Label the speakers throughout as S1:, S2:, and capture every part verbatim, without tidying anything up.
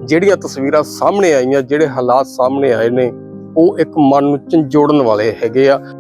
S1: ਜਿਹੜੀਆਂ ਤਸਵੀਰਾਂ ਸਾਹਮਣੇ ਆਈਆਂ, ਜਿਹੜੇ ਹਾਲਾਤ ਸਾਹਮਣੇ ਆਏ ਨੇ, ਉਹ ਇੱਕ ਮਨ ਨੂੰ ਝੰਜੋੜਨ ਵਾਲੇ ਹੈਗੇ ਆ।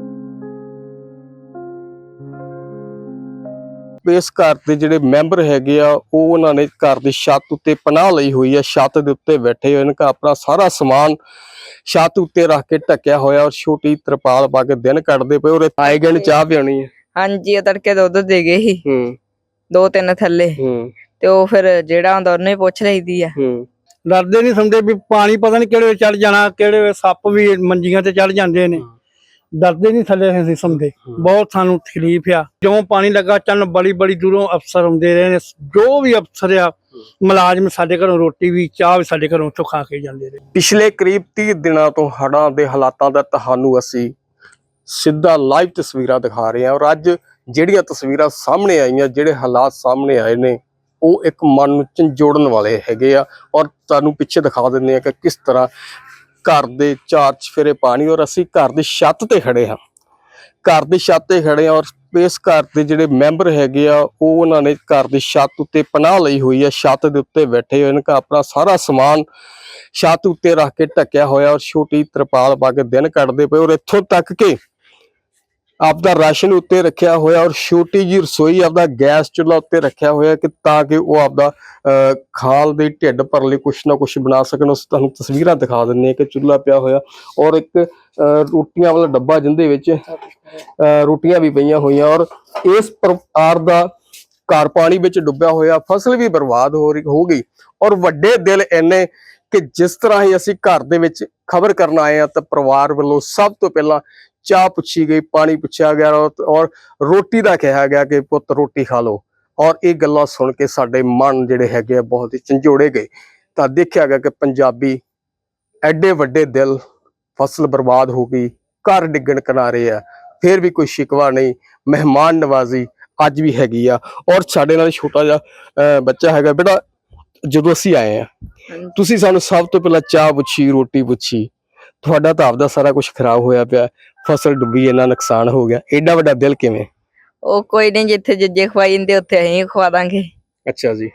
S1: ਇਸ ਘਰ ਦੇ ਜਿਹੜੇ ਮੈਂਬਰ ਹੈਗੇ ਆ, ਉਹ ਉਹਨਾਂ ਨੇ ਘਰ ਦੀ ਛੱਤ ਉੱਤੇ ਪਨਾਹ ਲਈ ਹੋਈ ਆ। ਛੱਤ ਦੇ ਉੱਤੇ ਬੈਠੇ ਹੋਏ ਨੇ, ਆਪਣਾ ਸਾਰਾ ਸਮਾਨ ਛੱਤ ਉੱਤੇ ਰੱਖ ਕੇ ਢੱਕਿਆ ਹੋਇਆ ਔਰ ਛੋਟੀ ਤਰਪਾਲ ਪਾ ਕੇ ਦਿਨ ਕੱਢਦੇ ਪਏ। ਔਰ ਆਏ ਗਏ ਨੇ ਚਾਹ ਪਿਆਉਣੀ ਹੈ।
S2: ਹਾਂਜੀ, ਉਹ ਤੜਕੇ ਦੁੱਧ ਦੇ ਗਏ ਸੀ
S1: ਹੂੰ
S2: ਦੋ ਤਿੰਨ ਥੱਲੇ,
S1: ਹੂੰ
S2: ਤੇ ਉਹ ਫਿਰ ਜਿਹੜਾ ਹੁੰਦਾ ਉਹਨੇ ਪੁੱਛ ਲਈਦੀ ਆ।
S1: ਹੂੰ
S3: ਡਰਦੇ ਨਹੀਂ ਸੁਣਦੇ ਵੀ ਪਾਣੀ ਪਤਾ ਨਹੀਂ ਕਿਹੜੇ ਵੇਲੇ ਚੜ ਜਾਣਾ, ਕਿਹੜੇ ਵੇਲੇ ਸੱਪ ਵੀ ਮੰਜੀਆਂ ਤੇ ਚੜ ਜਾਂਦੇ ਨੇ। ਡਰਦੇ ਨਹੀਂ ਥੱਲੇ ਅਸੀਂ ਸੁਣਦੇ, ਬਹੁਤ ਸਾਨੂੰ ਤਕਲੀਫ ਆ। ਜਿਉਂ ਪਾਣੀ ਲੱਗਾ ਚੱਲਣ, ਬੜੀ ਬੜੀ ਦੂਰੋਂ ਅਫਸਰ ਆਉਂਦੇ ਰਹੇ ਨੇ। ਜੋ ਵੀ ਅਫਸਰ ਆ, ਮੁਲਾਜ਼ਮ, ਸਾਡੇ ਘਰੋਂ ਰੋਟੀ ਵੀ ਚਾਹ ਵੀ ਸਾਡੇ ਘਰੋਂ ਉੱਥੋਂ ਖਾ ਕੇ ਜਾਂਦੇ ਰਹੇ।
S1: ਪਿਛਲੇ ਕਰੀਬ ਤੀਹ ਦਿਨਾਂ ਤੋਂ ਹੜ੍ਹਾਂ ਦੇ ਹਾਲਾਤਾਂ ਦਾ ਤੁਹਾਨੂੰ ਅਸੀਂ ਸਿੱਧਾ ਲਾਈਵ ਤਸਵੀਰਾਂ ਦਿਖਾ ਰਹੇ ਹਾਂ। ਔਰ ਅੱਜ ਜਿਹੜੀਆਂ ਤਸਵੀਰਾਂ ਸਾਹਮਣੇ ਆਈਆਂ, ਜਿਹੜੇ ਹਾਲਾਤ ਸਾਹਮਣੇ ਆਏ ਨੇ, ਉਹ ਇੱਕ ਮਨ ਨੂੰ ਝੰਜੋੜਨ ਵਾਲੇ ਹੈਗੇ ਆ। ਔਰ ਤੁਹਾਨੂੰ ਪਿੱਛੇ ਦਿਖਾ ਦਿੰਦੇ ਆ ਕਿ ਕਿਸ ਤਰ੍ਹਾਂ ਘਰ ਦੇ ਚਾਰ ਚਫੇਰੇ ਪਾਣੀ, ਔਰ ਅਸੀਂ ਘਰ ਦੀ ਛੱਤ ਤੇ ਖੜੇ ਹਾਂ। ਘਰ ਦੀ ਛੱਤ ਤੇ ਖੜੇ ਹਾਂ ਔਰ ਇਸ ਘਰ ਦੇ ਜਿਹੜੇ ਮੈਂਬਰ ਹੈਗੇ ਆ, ਉਹ ਉਹਨਾਂ ਨੇ ਘਰ ਦੀ ਛੱਤ ਉੱਤੇ ਪਨਾਹ ਲਈ ਹੋਈ ਆ। ਛੱਤ ਦੇ ਉੱਤੇ ਬੈਠੇ ਹੋਏ ਨੇ, ਆਪਣਾ ਸਾਰਾ ਸਮਾਨ ਛੱਤ ਉੱਤੇ ਰੱਖ ਕੇ ਢੱਕਿਆ ਹੋਇਆ ਔਰ ਛੋਟੀ ਤਰਪਾਲ ਪਾ ਕੇ ਦਿਨ ਕੱਢਦੇ ਪਏ। ਔਰ ਇੱਥੋਂ ਤੱਕ ਕਿ ਆਪਦਾ ਰਾਸ਼ਨ ਉੱਤੇ ਰੱਖਿਆ ਹੋਇਆ ਔਰ ਛੋਟੀ ਜਿਹੀ ਰਸੋਈ ਆਪਦਾ ਗੈਸ ਚੁੱਲ੍ਹਾ ਉੱਤੇ ਰੱਖਿਆ ਹੋਇਆ ਕਿ ਤਾਂ ਕਿ ਉਹ ਆਪਦਾ ਖਾਲ ਦੇ ਢਿੱਡ ਭਰਨ ਲਈ ਕੁਛ ਨਾ ਕੁਛ ਬਣਾ ਸਕਣ। ਉਸ ਤੁਹਾਨੂੰ ਤਸਵੀਰਾਂ ਦਿਖਾ ਦਿੰਦੇ ਹਾਂ ਕਿ ਚੁੱਲ੍ਹਾ ਪਿਆ ਹੋਇਆ ਔਰ ਇੱਕ ਰੋਟੀਆਂ ਵਾਲਾ ਡੱਬਾ ਜਿਹਦੇ ਵਿੱਚ ਰੋਟੀਆਂ ਵੀ ਪਈਆਂ ਹੋਈਆਂ। ਔਰ ਇਸ ਪ੍ਰਕਾਰ ਦਾ ਘਰ ਪਾਣੀ ਵਿੱਚ ਡੁੱਬਿਆ ਹੋਇਆ, ਫਸਲ ਵੀ ਬਰਬਾਦ ਹੋ ਰਹੀ ਹੋ ਗਈ। ਔਰ ਵੱਡੇ ਦਿਲ ਇੰਨੇ ਕਿ ਜਿਸ ਤਰ੍ਹਾਂ ਹੀ ਅਸੀਂ ਘਰ ਦੇ ਵਿੱਚ ਖਬਰ ਕਰਨ ਆਏ ਆ ਤਾਂ ਪਰਿਵਾਰ ਵੱਲੋਂ ਸਭ ਤੋਂ ਪਹਿਲਾਂ ਚਾਹ ਪੁੱਛੀ ਗਈ, ਪਾਣੀ ਪੁੱਛਿਆ ਗਿਆ ਔਰ ਰੋਟੀ ਦਾ ਕਿਹਾ ਗਿਆ ਕਿ ਪੁੱਤ ਰੋਟੀ ਖਾ ਲਓ। ਔਰ ਇਹ ਗੱਲਾਂ ਸੁਣ ਕੇ ਸਾਡੇ ਮਨ ਜਿਹੜੇ ਹੈਗੇ ਆ ਬਹੁਤ ਹੀ ਝੰਜੋੜੇ ਗਏ। ਤਾਂ ਦੇਖਿਆ ਗਿਆ ਕਿ ਪੰਜਾਬੀ ਐਡੇ ਵੱਡੇ ਦਿਲ, ਫਸਲ ਬਰਬਾਦ ਹੋ ਗਈ, ਘਰ ਡਿੱਗਣ ਕਿਨਾਰੇ ਆ, ਫਿਰ ਵੀ ਕੋਈ ਸ਼ਿਕਵਾ ਨਹੀਂ, ਮਹਿਮਾਨ ਨਵਾਜ਼ੀ ਅੱਜ ਵੀ ਹੈਗੀ ਆ। ਔਰ ਸਾਡੇ ਨਾਲ ਛੋਟਾ ਜਿਹਾ ਬੱਚਾ ਹੈਗਾ। ਬੇਟਾ, ਜਦੋਂ ਅਸੀਂ ਆਏ ਆ, ਤੁਸੀਂ ਸਾਨੂੰ ਸਭ ਤੋਂ ਪਹਿਲਾਂ ਚਾਹ ਪੁੱਛੀ, ਰੋਟੀ ਪੁੱਛੀ। ਤੁਹਾਡਾ ਤਾਂ ਆਪਦਾ ਸਾਰਾ ਕੁਝ ਖਰਾਬ ਹੋਇਆ ਪਿਆ, ਫਸਲ ਡੁੱਬੀ, ਇੰਨਾ ਨੁਕਸਾਨ ਹੋ ਗਿਆ, ਏਡਾ ਵੱਡਾ ਦਿਲ ਕਿਵੇਂ?
S2: ਉਹ ਕੋਈ ਨਹੀਂ, ਜਿੱਥੇ ਜਿੱਜੇ ਖਵਾਈ ਜਾਂਦੇ ਉੱਥੇ ਅਸੀਂ ਖਵਾ ਦਾਂਗੇ।
S1: ਅੱਛਾ ਜੀ।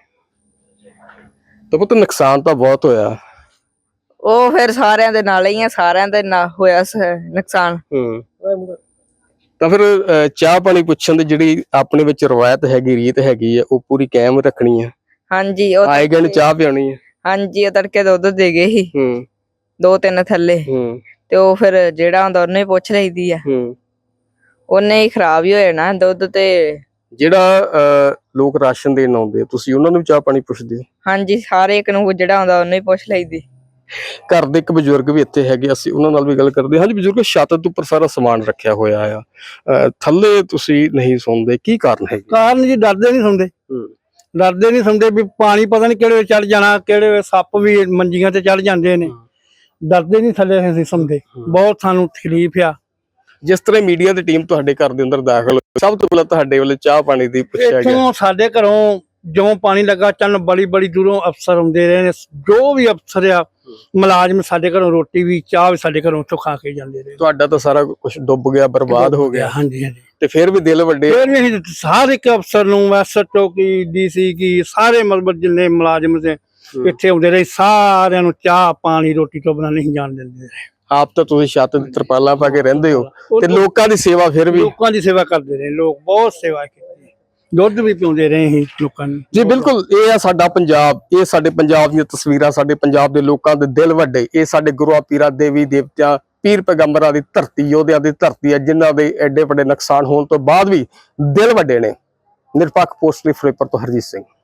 S1: ਤਾਂ ਪੁੱਤ ਨੁਕਸਾਨ ਤਾਂ ਬਹੁਤ ਹੋਇਆ।
S2: ਉਹ ਫਿਰ ਸਾਰਿਆਂ ਦੇ ਨਾਲ ਹੀ ਆ, ਸਾਰਿਆਂ ਦੇ ਨਾਲ ਹੋਇਆ ਨੁਕਸਾਨ।
S1: ਹੂੰ ਤਾਂ ਫਿਰ ਚਾਹ ਪਾਣੀ ਪੁੱਛਣ ਦੀ ਜਿਹੜੀ ਆਪਣੇ ਵਿੱਚ ਰਵਾਇਤ ਹੈਗੀ, ਰੀਤ ਹੈਗੀ ਆ, ਉਹ ਪੂਰੀ ਕਾਇਮ ਰੱਖਣੀ ਆ।
S2: ਹਾਂਜੀ, ਉਹ
S1: ਆਏ ਗਏ ਨੇ ਚਾਹ ਪਿਆਉਣੀ ਹੈ।
S2: ਹਾਂਜੀ, ਉਹ ਤੜਕੇ ਦੁੱਧ ਦੇ ਗਏ ਸੀ
S1: ਹੂੰ
S2: ਦੋ ਤਿੰਨ ਥੱਲੇ,
S1: ਹੂੰ
S2: ਤੇ ਉਹ ਫਿਰ ਜਿਹੜਾ ਹੁੰਦਾ ਉਹਨੇ ਪੁੱਛ ਲਈਦੀ ਆ।
S1: ਹੂੰ
S2: ਉਹਨੇ ਹੀ ਖਰਾਬ ਹੀ ਹੋ ਜਾਣਾ ਦੁੱਧ। ਤੇ
S1: ਜਿਹੜਾ ਲੋਕ ਰਾਸ਼ਨ ਦੇਣ ਆਉਂਦੇ, ਤੁਸੀਂ ਉਹਨਾਂ ਨੂੰ ਚਾਹ ਪਾਣੀ ਪੁੱਛਦੇ ਹੋ?
S2: ਹਾਂਜੀ, ਸਾਰੇ ਇੱਕ ਨੂੰ ਜਿਹੜਾ ਆਉਂਦਾ ਉਹਨੇ ਹੀ ਪੁੱਛ ਲਈਦੀ।
S1: ਘਰ ਦੇ ਇੱਕ ਬਜ਼ੁਰਗ ਵੀ ਇੱਥੇ ਹੈਗੇ, ਅਸੀਂ ਉਹਨਾਂ ਨਾਲ ਵੀ ਗੱਲ ਕਰਦੇ। ਹਾਂਜੀ ਬਜ਼ੁਰਗ, ਛੱਤ ਦੇ ਉੱਪਰ ਸਾਰਾ ਸਮਾਨ ਰੱਖਿਆ ਹੋਇਆ ਆ, ਥੱਲੇ ਤੁਸੀਂ ਨਹੀਂ ਸੌਂਦੇ, ਕੀ ਕਾਰਨ ਹੈ?
S3: ਕਾਰਨ ਜੀ ਡਰਦੇ ਨਹੀਂ ਸੁਣਦੇ, ਡਰਦੇ ਨਹੀਂ ਸੁਣਦੇ ਵੀ ਪਾਣੀ ਪਤਾ ਨਹੀਂ ਕਿਹੜੇ ਵੇਲੇ ਚੜ ਜਾਣਾ, ਕਿਹੜੇ ਵੇਲੇ ਸੱਪ ਵੀ ਮੰਜੀਆਂ ਤੇ ਚੜ ਜਾਂਦੇ ਨੇ। ਡਰਦੇ ਨਹੀਂ ਥੱਲੇ ਅਸੀਂ ਸੁਣਦੇ, ਬਹੁਤ ਸਾਨੂੰ ਤਕਲੀਫ ਆ।
S1: ਜਿਸ ਤਰ੍ਹਾਂ ਮੀਡੀਆ ਦੀ ਟੀਮ ਤੁਹਾਡੇ ਘਰ ਦੇ ਅੰਦਰ ਦਾਖਲ ਹੋਈ, ਸਭ ਤੋਂ ਪਹਿਲਾਂ ਤੁਹਾਡੇ ਵੱਲੋਂ ਚਾਹ ਪਾਣੀ ਦੀ ਪੁੱਛਿਆ ਗਿਆ।
S3: ਸਾਡੇ ਘਰੋਂ ਜਿਉਂ ਪਾਣੀ ਲੱਗਾ ਚੱਲਣ, ਬੜੀ ਬੜੀ ਦੂਰੋਂ ਅਫਸਰ ਆਉਂਦੇ ਰਹੇ ਨੇ। ਜੋ ਵੀ ਅਫਸਰ ਆ, ਮੁਲਾਜ਼ਮ, ਸਾਡੇ ਘਰੋਂ ਰੋਟੀ ਵੀ ਚਾਹ ਵੀ ਸਾਡੇ ਘਰੋਂ ਉੱਥੋਂ ਖਾ ਕੇ ਜਾਂਦੇ ਰਹੇ। ਤੁਹਾਡਾ
S1: ਤਾਂ ਸਾਰਾ ਕੁਝ ਡੁੱਬ ਗਿਆ, ਬਰਬਾਦ ਹੋ ਗਿਆ।
S3: ਹਾਂਜੀ ਹਾਂਜੀ।
S1: ਤੇ ਫਿਰ ਵੀ ਦਿਲ ਵੱਡੇ,
S3: ਫਿਰ ਵੀ ਅਸੀਂ ਹਰ ਇੱਕ ਅਫਸਰ ਨੂੰ, ਐਸ ਐਚ ਓ ਕੀ, ਡੀ ਸੀ ਕੀ, ਸਾਰੇ ਮਤਲਬ ਜਿੰਨੇ ਮੁਲਾਜ਼ਮ ਸੀ ਇੱਥੇ ਆਉਂਦੇ ਰਹੇ, ਸਾਰਿਆਂ ਨੂੰ ਚਾਹ ਪਾਣੀ ਰੋਟੀ ਤੋਂ ਬਿਨਾਂ ਨਹੀਂ ਜਾਣ ਦਿੰਦੇ।
S1: ਆਪ ਤਾਂ ਤੁਸੀਂ ਛੱਤ ਦੀ ਤਰਪਾਲਾਂ ਪਾ ਕੇ ਰਹਿੰਦੇ ਹੋ ਤੇ ਲੋਕਾਂ ਦੀ ਸੇਵਾ, ਫਿਰ ਵੀ
S3: ਲੋਕਾਂ ਦੀ ਸੇਵਾ ਕਰਦੇ ਰਹੇ ਲੋਕ, ਬਹੁਤ ਸੇਵਾ ਕੀਤੀ, ਦੁੱਧ ਵੀ ਪਿਉਂਦੇ ਰਹੇ ਅਸੀਂ ਲੋਕਾਂ ਨੂੰ।
S1: ਜੀ ਬਿਲਕੁਲ, ਇਹ ਆ ਸਾਡਾ ਪੰਜਾਬ, ਇਹ ਸਾਡੇ ਪੰਜਾਬ ਦੀਆਂ ਤਸਵੀਰਾਂ, ਸਾਡੇ ਪੰਜਾਬ ਦੇ ਲੋਕਾਂ ਦੇ ਦਿਲ ਵੱਡੇ। ਇਹ ਸਾਡੇ ਗੁਰੂਆਂ ਪੀਰਾਂ, ਦੇਵੀ ਦੇਵਤਿਆਂ, ਪੀਰ ਪੈਗੰਬਰਾਂ ਦੀ ਧਰਤੀ, ਯੋਧਿਆਂ ਦੀ ਧਰਤੀ ਹੈ, ਜਿਨ੍ਹਾਂ ਦੇ ਐਡੇ ਵੱਡੇ ਨੁਕਸਾਨ ਹੋਣ ਤੋਂ ਬਾਅਦ ਵੀ ਦਿਲ ਵੱਡੇ ਨੇ। ਨਿਰਪੱਖ ਪੋਸਟ ਲਈ ਫਿਰੋਜ਼ਪੁਰ ਤੋਂ ਹਰਜੀਤ ਸਿੰਘ।